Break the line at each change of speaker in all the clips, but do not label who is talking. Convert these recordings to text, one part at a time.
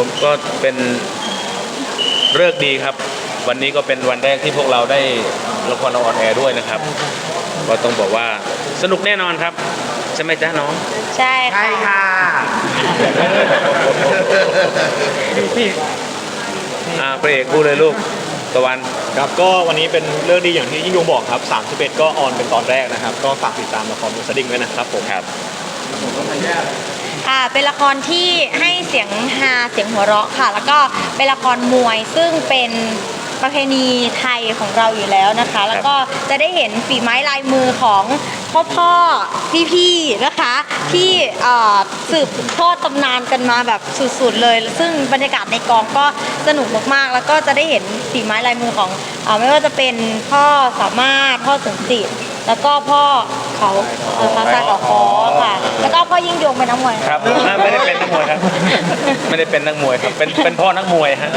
ผมก็เป็นฤกษ์ดีครับวันนี้ก็เป็นวันแรกที่พวกเราได้ละครออนแอร์ด้วยนะครับก็ต้องบอกว่าสนุกแน่นอนครับใช่ไหมจ๊ะน้อง
ใช่ค่ะ
พี่
พระเอกพูดเลยลูกตะวัน
ครับก็วันนี้เป็นเรื่องดีอย่างที่ยิ่งยงบอกครับ31ก็ออนเป็นตอนแรกนะครับก็ฝากติดตามละครมูสดิ้งด้วยนะครับผม
ครับ
เป็นละครที่ให้เสียงฮาเสียงหัวเราะค่ะแล้วก็เป็นละครมวยซึ่งเป็นประเพณีไทยของเราอยู่แล้วนะคะแล้วก็จะได้เห็นฝีไม้ลายมือของพ่อพี่ๆนะคะที่สืบทอดตำนานกันมาแบบสุดๆเลยซึ่งบรรยากาศในกองก็สนุกมากๆแล้วก็จะได้เห็นฝีไม้ลายมือของไม่ว่าจะเป็นพ่อสามารถพ่อสมจิตแล้วก็พ่อเขาพระชายเขาคอค่ะแล้วก็พ่อยิ่งยงเป็นนักมวย
ครับไม่ได้เป็นนักมวยครับไม่ได้เป็นนักมวยครับเป็นพ่อนักมวยฮะ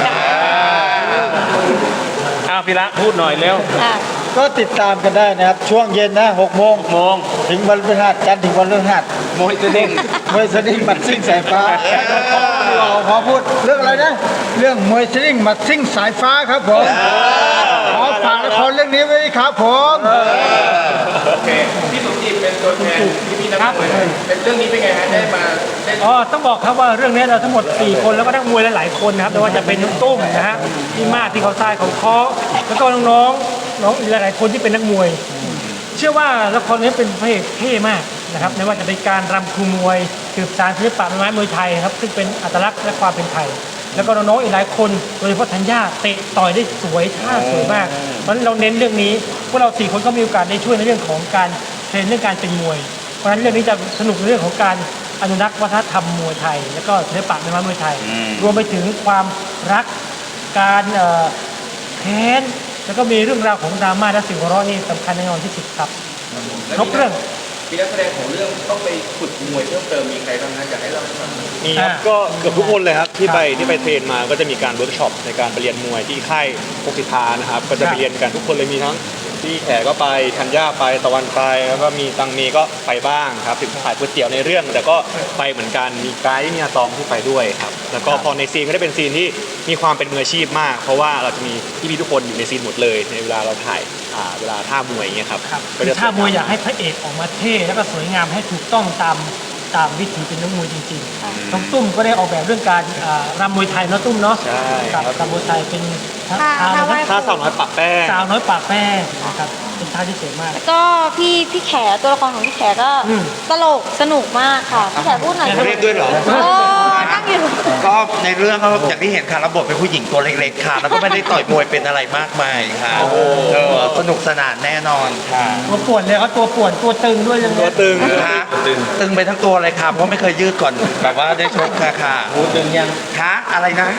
พี่ละพูดหน่อยเร็ว
ก็ติดตามกันได้นะครับช่วงเย็นนะ6 โมงถึงวันพฤหัสจันทร์ถึงวันพฤหัส
มวยสดิ้ง
หมัดซิ่งสายฟ้าเราขอพูดเรื่องอะไรนะเรื่องมวยสดิ้งหมัดซิ่งสายฟ้าครับผมขอฝากละครเรื่องนี้ไว้ครับผม
โอเคพี่สมจิตเป็นตัวแทนพี่นักมวยเป็นเรื่องนี้เป็นไงฮะได้มา
ต้องบอกครับว่าเรื่องนี้เราทั้งหมด4 คนแล้วก็นักมวยหลายๆคนนะครับแต่ว่าจะเป็นน้องตุ้มนะฮะพี่มากที่เขาทรายของคอแล้วก็น้องอีกหลายๆคนที่เป็นนักมวยเชื่อว่าละครนี้เป็นพระเอกเท่มากนะครับไม่ว่าจะเป็นการรำครูมวยสืบสานศิลปะไม้มวยไทยครับซึ่งเป็นอัตลักษณ์และความเป็นไทยแล้วก็น้องๆอีกหลายคนโดยเฉพาะธัญญาเตะต่อยได้สวยท่าสวยมากเพราะฉะนั้นเราเน้นเรื่องนี้พวกเรา4 คนก็มีโอกาสได้ช่วยในเรื่องของการเทรนเรื่องการเป็นมวยเพราะฉะนั้นเรื่องนี้จะสนุกในเรื่องของการอนุรักษ์วัฒนธรรมมวยไทยแล้วก็ศิลปะไม้มวยไทยรวมไปถึงความรักการแค้นแล้วก็มีเรื่องราวของดราม่าและสิ่งหัวเราะนี่สำคัญแน่นอนที่สุดครับครบเรื่อง
มีนักแสดงของเรื่องต้องไปฝึกมวยเพิ่มเติมมีใครบ้างนะอยากให้เรา
มีครับก็เกือบทุกคนเลยครับที่ไปเทรนมาก็จะมีการเวิร์กช็อปในการไปเรียนมวยที่ค่ายพกสิทธานะครับก็จะไปเรียนกันทุกคนเลยมีทั้งที่แขกก็ไปธัญญาไปตะวันไปแล้วก็มีตังเมก็ไปบ้างครับถึงถ่ายก๋วยเตี๋ยวในเรื่องแต่ก็ไปเหมือนกันมีไกด์มีอาตอมที่ไปด้วยครับแล้วก็พอในซีนก็ได้เป็นซีนที่มีความเป็นมืออาชีพมากเพราะว่าเราจะมีพี่ๆทุกคนอยู่ในซีนหมดเลยในเวลาเราถ่ายเวลาท่ามวยอย่างเงี้ยครับ
ท่ามวยอยากให้พระเอกออกมาเท่แล้วก็สวยงามให้ถูกต้องตามวิถีเป็นนักมวยจริงๆน้องตุ้มก็ได้ออกแบบเรื่องการรำมวยไทยเนาะตุ้มเนาะกับรำมวยไทยเป็น
ท่าสาวน้อยปากแป้ง
นะครับเป็นท่าที่สวยมาก
แล้วก็พี่แขตัวละครของพี่แขก็ตลกสนุกมากค่ะพี่แขพูดหน่อย
เรียกด้วยเหรอ
นั่งอยู่
ก็ในเรื่องก็อย่างที่เห็นค่ะระบบเป็นผู้หญิงตัวเล็กๆค่ะแล้วก็ไม่ได้ต่อยมวยเป็นอะไรมากมายค่ะสนุกสนานแน่นอนค่ะ
ตัวป่วนเลยเขาตัวป่วนตัวตึงด้วยยัง
ตัวตึง
ค่ะตึงไปทั้งตัวเลยค่ะเพราะไม่เคยยืดก่อนแบบว่าได้ชกค่ะ
ตึงยัง
คะอะไรนะ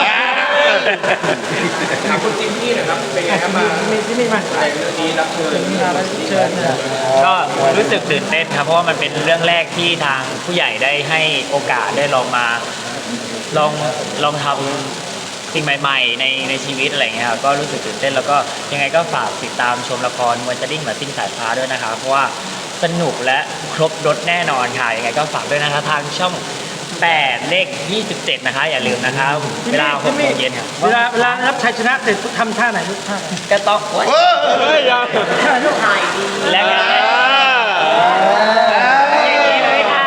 ถามคุณจิมมี่นะครับเป็นไงครับมา
ที่นี่มา
ในเรื่องนี้รับเชิญ
ก็รู้สึกตื่นเต้นครับเพราะว่ามันเป็นเรื่องแรกที่ทางผู้ใหญ่ได้ให้โอกาสได้ลองทำสิ่งใหม่ๆในชีวิตอะไรเงี้ยครับก็รู้สึกตื่นเต้นแล้วก็ยังไงก็ฝากติดตามชมละครมวยสดิ้งหมัดซิ่งสายฟ้าด้วยนะครับเพราะว่าสนุกและครบรสแน่นอนค่ะยังไงก็ฝากด้วยนะคะทางช่อง8เลข27นะคะอย่าลืมนะครับเวลา6 โมงเย็นครับ
เวลารับชัยชนะเสร็จทำท่าไหนลูกท่า
ก็ต้อง
ท่าลูก
ถ่ายดีแล้วกันเลยค่ะ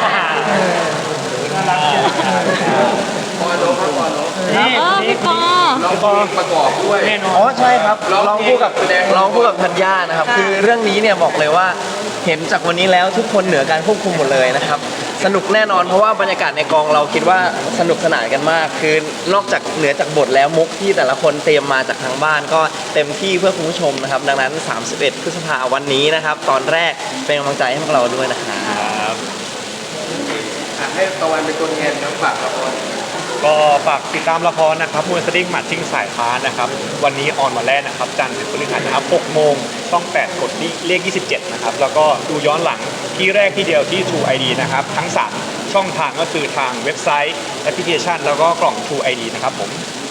พี่ปอ
ร้องเพลงประกอบด้วย
อ๋อใช่ครับร้องคู่กับธัญญานะครับคือเรื่องนี้เนี่ยบอกเลยว่าเห็นจากวันนี้แล้วทุกคนเหนือการควบคุมหมดเลยนะครับสนุกแน่นอนเพราะว่าบรรยากาศในกองเราคิดว่าสนุกสนานกันมากคือนอกจากเหนือจากบทแล้วมุกที่แต่ละคนเตรียมมาจากทางบ้านก็เต็มที่เพื่อคุณผู้ชมนะครับดังนั้น31 พฤษภาคมวันนี้นะครับตอนแรกเป็นกำลังใจให้พวกเราด้วยนะครับ
ให้ตะวันเป็นตัวแทนน้ำฝากละคร
ก็ฝากติดตามละครนะครับมวยสดิ้งหมัดซิ่งสายฟ้านะครับวันนี้ออนวันแรกนะครับจันทร์ถึงพฤหัสนะครับ6 โมงช่อง8กดเลข27นะครับแล้วก็ดูย้อนหลังที่แรกที่เดียวที่ True ID นะครับทั้ง3ช่องทางก็คือทางเว็บไซต์แอปพลิเคชันแล้วก็กล่อง True ID นะครับผม